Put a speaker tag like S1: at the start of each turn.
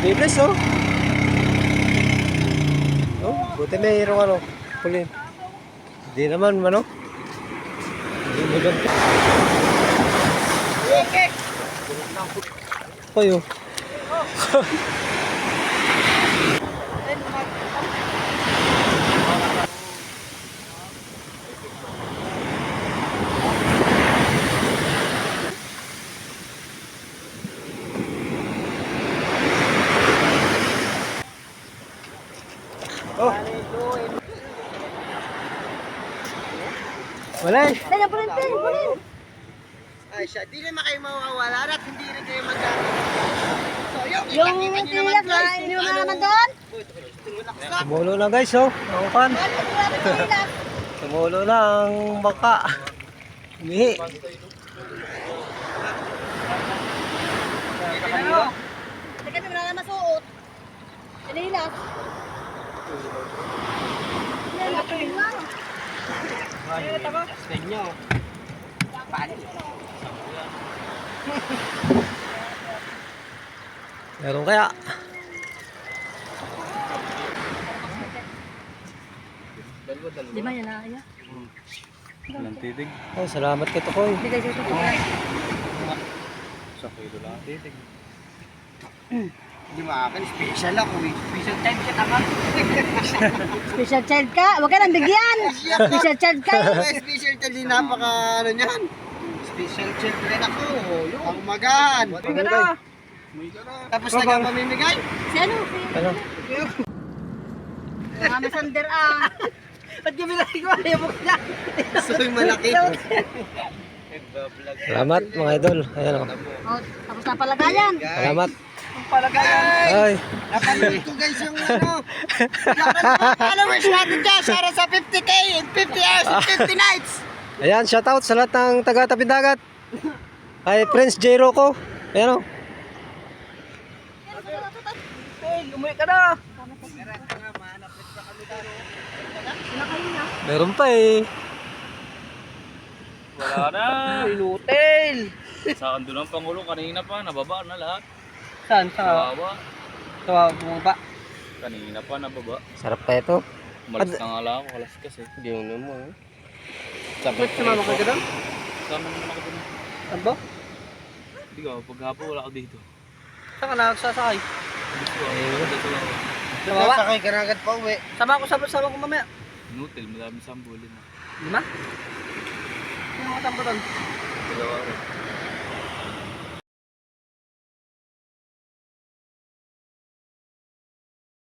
S1: Bibles, oh. Oh, buti mayroong ano, pulin. Hindi naman, ano. Hindi mo dyan. Hoy, oh. Oh. Wala eh.
S2: Dali, pulin.
S3: Ay siya, di naman kayo mawawala at hindi rin kayo magkakaroon. So yung
S2: Tilak na, hindi mo naman doon?
S1: Tumulo na guys, oh. Naukan. Tumulo na ang baka. Umihi.
S2: Hindi kami wala na masuot. Tinilas.
S1: Meron kaya?
S2: Di ba yan na kaya?
S4: Walang titig.
S1: Oh, salamat kay Tokoy.
S2: Hindi kayo suot.
S4: Sa kilo lang titig.
S3: Hindi maakin, special ako eh. Special time siya tama.
S2: Special child ka? Huwag ka nang bigyan. Special child ka.
S3: Special child din napaka ano niyan. Special child rin ako. Yung ang umagahan. Tapos nagpamimigay.
S2: Si ano?
S1: Ano?
S2: Mga masander ah.
S3: Ba't kami ko? Ayaw mo ka. So yung malaki.
S1: Salamat mga idol. Ayan oh.
S2: Oh, tapos na palagayan.
S1: Salamat.
S3: Ang palagayan.
S1: Ay.
S3: Napanood ko guys yung ano. Followers natin dyan. Para sa 50k in 50 hours and 50 nights.
S1: Ayan, shoutout sa lahat ng taga-Tapindagat. Kay Prince J. Rocco. Ayan oh.
S3: Hey, umuwi ka na.
S1: Meron pa eh.
S4: Wala na.
S3: Inutil.
S4: Sa ando ng Pangulo kanina pa, nababa na lahat.
S3: Saan? Sa
S4: Kawawa.
S3: bumaba.
S4: Kanina pa nababa.
S1: Sarap pa ito.
S4: Malas na nga lang ako, kalas kasi.
S1: Hindi mo naman.
S3: Ba't sumama ka doon?
S4: Sama naman ako dun.
S3: Ano ba?
S4: Hindi ka, paghapon wala ako dito.
S3: Saan ka nagsasakay?
S4: Gusto ko, dito lang ako.
S3: Nagsasakay ka na agad pa uwi. Sama ko mamaya.
S4: Inutil, madami sambulin na.
S3: 5? Sino mga tampo doon?
S4: Dalawa rin.